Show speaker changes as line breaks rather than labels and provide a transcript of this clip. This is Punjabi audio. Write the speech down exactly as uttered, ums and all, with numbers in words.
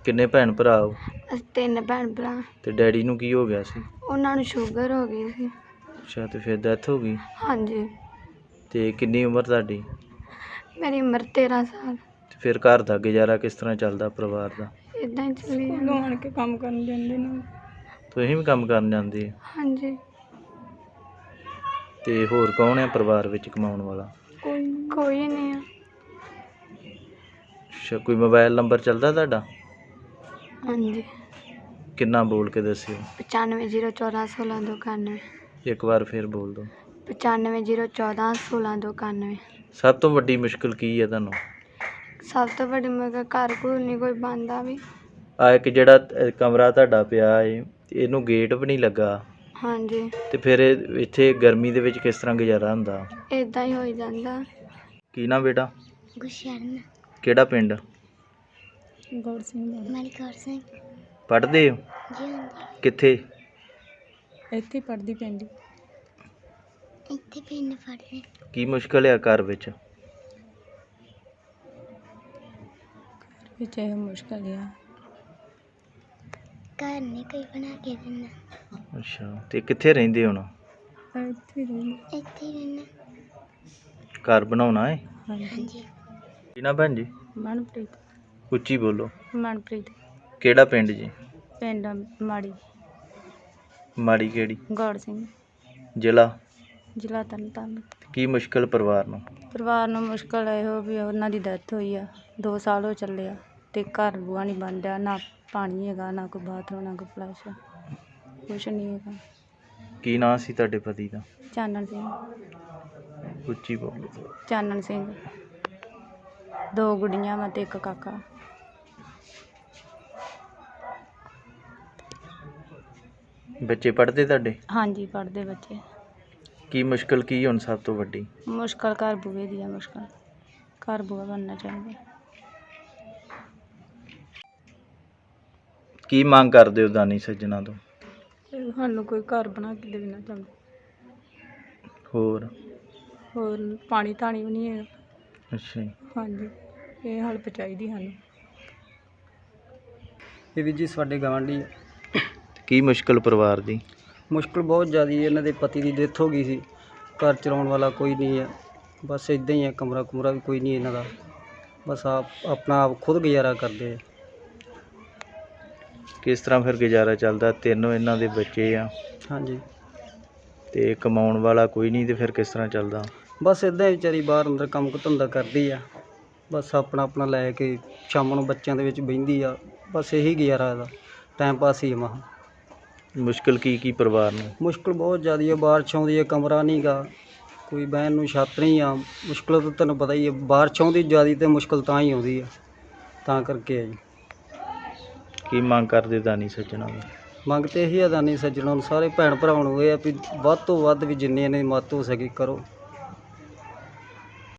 ਕਿੰਨੇ ਭੈਣ ਭਰਾ ਹੋ?
ਅਸੀਂ ਤਿੰਨ ਭੈਣ ਭਰਾ।
ਤੇ ਡੈਡੀ ਨੂੰ ਕੀ ਹੋ ਗਿਆ ਸੀ?
ਉਹਨਾਂ ਨੂੰ ਸ਼ੂਗਰ ਹੋ ਗਈ ਸੀ।
ਅੱਛਾ, ਤੇ ਫਿਰ ਡੈਥ ਹੋ ਗਈ।
ਹਾਂਜੀ।
ਤੇ ਕਿੰਨੀ ਉਮਰ ਤੁਹਾਡੀ?
ਮੇਰੀ ਉਮਰ ਤੇਰਾਂ ਸਾਲ।
ਤੇ ਫਿਰ ਘਰ ਦਾ ਗੁਜ਼ਾਰਾ ਕਿਸ ਤਰ੍ਹਾਂ ਚੱਲਦਾ ਪਰਿਵਾਰ ਦਾ?
ਇਦਾਂ ਹੀ ਚੱਲੀ ਜਾਂਦਾ। ਆਣ ਕੇ ਕੰਮ ਕਰਨ ਜਾਂਦੇ ਨੇ।
ਤੁਸੀਂ ਵੀ ਕੰਮ ਕਰਨ ਜਾਂਦੇ ਹੋ?
ਹਾਂਜੀ।
ਤੇ ਹੋਰ ਕੌਣ ਹੈ ਪਰਿਵਾਰ ਵਿੱਚ ਕਮਾਉਣ ਵਾਲਾ?
ਕੋਈ ਕੋਈ ਨਹੀਂ ਆ।
ਅੱਛਾ, ਕੋਈ ਮੋਬਾਈਲ ਨੰਬਰ ਚੱਲਦਾ ਤੁਹਾਡਾ?
ਹਾਂਜੀ।
ਕਿੰਨਾ ਬੋਲ ਕੇ ਦੱਸਿਓ।
ਪਚਾਨਵੇਂ ਜ਼ੀਰੋ ਚੌਦਾਂ ਸੋਲਾਂ ਦੋ ਇਕਾਨਵੇਂ।
ਇੱਕ ਵਾਰ ਫਿਰ ਬੋਲ ਦਿਓ।
ਪਚਾਨਵੇਂ ਜ਼ੀਰੋ ਚੌਦਾਂ ਸੋਲਾਂ ਦੋ ਇਕਾਨਵੇਂ।
ਸਭ ਤੋਂ ਵੱਡੀ ਮੁਸ਼ਕਿਲ ਕੀ ਹੈ ਤੁਹਾਨੂੰ?
ਸਭ ਤੋਂ ਵੱਡੀ ਮੁਸ਼ਕਿਲ ਘਰ ਘਰ ਨਹੀਂ ਕੋਈ ਬਣਦਾ ਵੀ।
ਆ ਇੱਕ ਜਿਹੜਾ ਅ, ਕਮਰਾ ਤੁਹਾਡਾ ਪਿਆ ਹੈ, ਇਹਨੂੰ ਗੇਟ ਵੀ ਨਹੀਂ ਲੱਗਾ।
ਹਾਂਜੀ।
ਤੇ ਫਿਰ ਇਹ ਇੱਥੇ ਗਰਮੀ ਦੇ ਵਿੱਚ ਕਿਸ ਤਰ੍ਹਾਂ ਗੁਜ਼ਾਰਾ ਹੁੰਦਾ?
ਇਦਾਂ ਹੀ ਹੋਈ ਜਾਂਦਾ।
ਕੀ ਨਾ ਬੇਟਾ?
ਗੁਸ਼ਰਨ।
ਕਿਹੜਾ ਪਿੰਡ?
ਗੌਰ ਸਿੰਘ। ਮਲਕੌਰ ਸਿੰਘ।
ਪੜ੍ਹਦੇ ਹੋ?
ਜੀ ਹਾਂਜੀ।
ਕਿੱਥੇ?
ਇੱਥੇ ਪੜ੍ਹਦੀ ਪਿੰਡ। ਇੱਥੇ ਪਿੰਡ ਪੜ੍ਹਦੇ।
ਕੀ ਮੁਸ਼ਕਿਲ ਆ ਘਰ ਵਿੱਚ?
ਵਿੱਚ ਇਹ ਮੁਸ਼ਕਿਲ ਆ ਘਰ ਨਹੀਂ ਕੋਈ ਬਣਾ ਕੇ ਦਿੰਦਾ।
ਅੱਛਾ, ਤੇ ਕਿੱਥੇ ਰਹਿੰਦੇ ਹੁਣ?
ਇੱਥੇ ਰਹਿੰਦੇ। ਇੱਥੇ ਰਹਿੰਦੇ।
ਘਰ ਬਣਾਉਣਾ ਹੈ?
ਹਾਂਜੀ।
ਕੀ ਨਾ ਭੈਣ ਜੀ?
ਮਨਪ੍ਰੀਤ।
ਉੱਚੀ ਬੋਲੋ।
ਮਨਪ੍ਰੀਤ।
ਕਿਹੜਾ ਪਿੰਡ ਜੀ?
ਪਿੰਡ ਮਾੜੀ।
ਮਾੜੀ ਕਿਹੜੀ?
ਗੌਰ ਸਿੰਘ।
ਜ਼ਿਲ੍ਹਾ?
ਜ਼ਿਲ੍ਹਾ ਤਰਨਤਾਰਨ।
ਕੀ ਮੁਸ਼ਕਿਲ ਪਰਿਵਾਰ ਨੂੰ?
ਪਰਿਵਾਰ ਨੂੰ ਮੁਸ਼ਕਿਲ ਇਹੋ ਵੀ ਉਹਨਾਂ ਦੀ ਡੈਥ ਹੋਈ ਆ, ਦੋ ਸਾਲ ਹੋ ਚੱਲੇ ਆ ਤੇ ਘਰ ਬੂਆ ਨਹੀਂ ਬਣ ਰਿਹਾ, ਨਾ ਪਾਣੀ ਹੈਗਾ, ਨਾ ਕੋਈ ਬਾਥਰੂਮ, ਨਾ ਕੋਈ ਫਲੈਸ਼, ਕੁਛ ਨਹੀਂ ਹੈਗਾ।
ਕੀ ਨਾਂ ਸੀ ਤੁਹਾਡੇ ਪਤੀ ਦਾ?
ਚਾਨਣ ਸਿੰਘ।
ਉੱਚੀ ਬੋਲੋ।
ਚਾਨਣ ਸਿੰਘ। ਦੋ ਗੁੱਡੀਆਂ ਵਾ ਤੇ ਇੱਕ ਕਾਕਾ।
ਬੱਚੇ ਪੜ੍ਹਦੇ ਤੁਹਾਡੇ?
ਹਾਂਜੀ, ਪੜ੍ਹਦੇ ਬੱਚੇ।
ਕੀ ਮੁਸ਼ਕਿਲ ਕੀ ਹੁਣ ਸਭ ਤੋਂ ਵੱਡੀ?
ਮੁਸ਼ਕਿਲ ਘਰ ਬੂਏ ਦੀ ਆ ਮੁਸ਼ਕਿਲ। ਘਰ ਬੂਆ ਬਣਨਾ ਚਾਹੀਦਾ।
ਕੀ ਮੰਗ ਕਰਦੇ ਹੋ ਦਾਨੀ ਸੱਜਣਾ ਤੋਂ?
ਸਾਨੂੰ ਕੋਈ ਘਰ ਬਣਾ ਕੇ ਦੇਣਾ ਚਾਹੁੰਦਾ।
ਹੋਰ?
ਹੋਰ ਪਾਣੀ ਧਾਣੀ ਵੀ ਨਹੀਂ ਹੈ।
ਅੱਛਾ ਜੀ।
ਹਾਂਜੀ, ਇਹ ਹੈਲਪ ਚਾਹੀਦੀ ਸਾਨੂੰ।
ਇਹ ਵੀ ਜੀ ਸਾਡੇ ਗਵਾਂਢੀ।
ਕੀ ਮੁਸ਼ਕਿਲ ਪਰਿਵਾਰ ਦੀ?
ਮੁਸ਼ਕਿਲ ਬਹੁਤ ਜ਼ਿਆਦਾ ਹੈ। ਇਹਨਾਂ ਦੇ ਪਤੀ ਦੀ ਡੈਥ ਹੋ ਗਈ ਸੀ। ਘਰ ਚਲਾਉਣ ਵਾਲਾ ਕੋਈ ਨਹੀਂ ਹੈ। ਬਸ ਇੱਦਾਂ ਹੀ ਹੈ, ਕਮਰਾ ਕੁਮਰਾ ਵੀ ਕੋਈ ਨਹੀਂ ਇਹਨਾਂ ਦਾ। ਬਸ ਆਪ ਆਪਣਾ ਆਪ ਖੁਦ ਗੁਜ਼ਾਰਾ ਕਰਦੇ ਆ।
ਕਿਸ ਤਰ੍ਹਾਂ ਫਿਰ ਗੁਜ਼ਾਰਾ ਚੱਲਦਾ? ਤਿੰਨੋਂ ਇਹਨਾਂ ਦੇ ਬੱਚੇ ਆ।
ਹਾਂਜੀ।
ਤੇ ਕਮਾਉਣ ਵਾਲਾ ਕੋਈ ਨਹੀਂ, ਤੇ ਫਿਰ ਕਿਸ ਤਰ੍ਹਾਂ ਚੱਲਦਾ?
ਬਸ ਇੱਦਾਂ ਹੀ ਵਿਚਾਰੀ ਬਾਹਰ ਅੰਦਰ ਕੰਮ ਕੁ ਧੰਦਾ ਕਰਦੀ ਆ। ਬਸ ਆਪਣਾ ਆਪਣਾ ਲੈ ਕੇ ਸ਼ਾਮ ਨੂੰ ਬੱਚਿਆਂ ਦੇ ਵਿੱਚ ਬਹਿੰਦੀ ਆ। ਬਸ ਇਹੀ ਗੁਜ਼ਾਰਾ ਇਹਦਾ, ਟਾਈਮ ਪਾਸ ਹੀ ਮਹਾ।
ਮੁਸ਼ਕਿਲ ਕੀ ਕੀ ਪਰਿਵਾਰ ਨੂੰ?
ਮੁਸ਼ਕਿਲ ਬਹੁਤ ਜ਼ਿਆਦਾ ਹੈ। ਬਾਰਿਸ਼ ਆਉਂਦੀ ਹੈ, ਕਮਰਾ ਨਹੀਂ ਗਾ, ਕੋਈ ਬਹਿਣ ਨੂੰ ਛੱਤ ਨਹੀਂ ਆ। ਮੁਸ਼ਕਿਲ ਤਾਂ ਤੁਹਾਨੂੰ ਪਤਾ ਹੀ ਹੈ, ਬਾਰਿਸ਼ ਆਉਂਦੀ ਜ਼ਿਆਦਾ ਤੇ ਮੁਸ਼ਕਿਲ ਤਾਂ ਹੀ ਆਉਂਦੀ ਆ, ਤਾਂ ਕਰਕੇ ਹੈ ਜੀ।
ਕੀ ਮੰਗ ਕਰਦੇ ਦਾਨੀ ਸੱਜਣਾ ਨੂੰ?
ਮੰਗ ਤਾਂ ਇਹੀ ਆ ਦਾਨੀ ਸੱਜਣਾਂ ਨੂੰ, ਸਾਰੇ ਭੈਣ ਭਰਾਵਾਂ ਨੂੰ ਇਹ ਆ ਵੀ ਵੱਧ ਤੋਂ ਵੱਧ ਵੀ ਜਿੰਨੇ ਨੇ ਮਦਦ ਹੋ ਸਕੇ ਕਰੋ।